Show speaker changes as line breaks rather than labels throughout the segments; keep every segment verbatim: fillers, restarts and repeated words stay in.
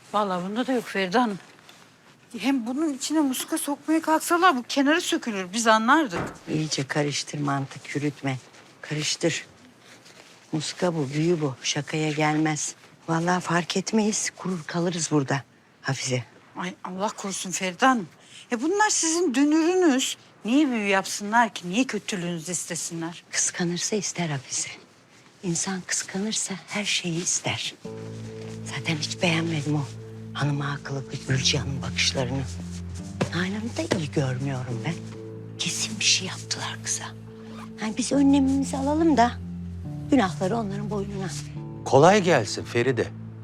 Vallahi bunda da yok Feride Hanım. Hem bunun içine muska sokmaya kalksalar bu kenarı sökülür. Biz anlardık.
İyice karıştır, mantık yürütme. Karıştır. Muska bu, büyü bu. Şakaya gelmez. Vallahi fark etmeyiz. Kurur kalırız burada Hafize.
Ay Allah korusun Feride Hanım. E bunlar sizin dünürünüz. Niye büyü yapsınlar ki? Niye kötülüğünüzü istesinler?
Kıskanırsa ister Hafize. İnsan kıskanırsa her şeyi ister. Zaten hiç beğenmedim o hanıma akıllı Gülcihan'ın bakışlarını. Nalan'ı da iyi görmüyorum ben. Kesin bir şey yaptılar kıza. Yani biz önlemimizi alalım da günahları onların boynuna.
Kolay gelsin Feride.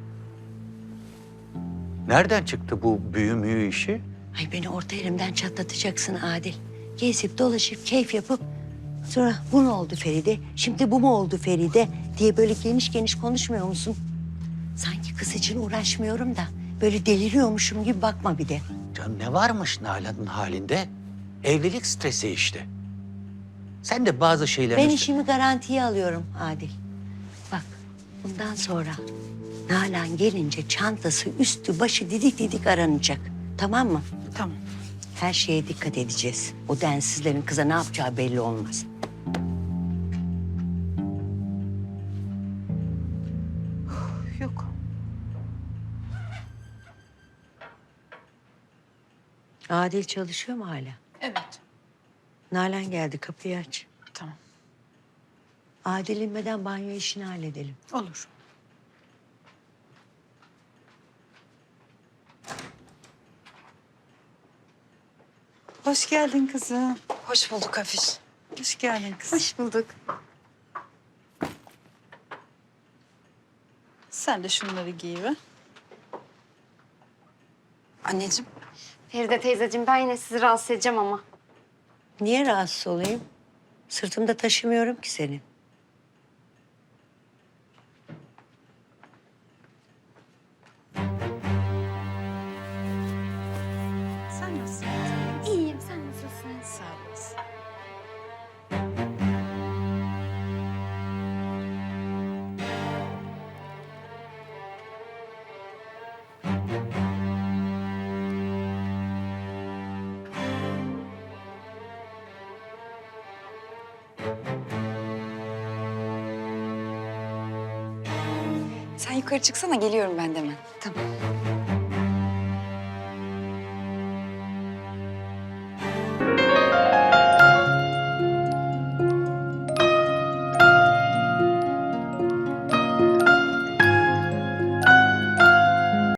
Nereden çıktı bu büyü müyü işi?
Ay beni orta elimden çatlatacaksın Adil. Gezip dolaşıp keyif yapıp sonra bu ne oldu Feride? Şimdi bu mu oldu Feride? Diye böyle geniş geniş konuşmuyor musun? Sanki kız için uğraşmıyorum da böyle deliriyormuşum gibi bakma bir de.
Canım ne varmış Nalan'ın halinde? Evlilik stresi işte. Sen de bazı şeylerin...
Ben
üstüne-
işimi garantiye alıyorum Adil. Bak bundan sonra Nalan gelince çantası üstü başı didik didik aranacak. Tamam mı?
Tamam.
Her şeye dikkat edeceğiz. O densizlerin kıza ne yapacağı belli olmaz.
Yok.
Adil çalışıyor mu hala?
Evet.
Nalan geldi, kapıyı aç.
Tamam.
Adil inmeden banyo işini halledelim.
Olur. Hoş geldin kızım.
Hoş bulduk Hafiz.
Hoş geldin kızım.
Hoş bulduk.
Sen de şunları giy be.
Anneciğim. Feride teyzeciğim ben yine sizi rahatsız edeceğim ama.
Niye rahatsız olayım? Sırtımda taşımıyorum ki seni.
Sen nasılsın?
İyiyim sen nasılsın?
Sağ olasın.
Sen yukarı çıksana geliyorum ben de hemen. Tamam.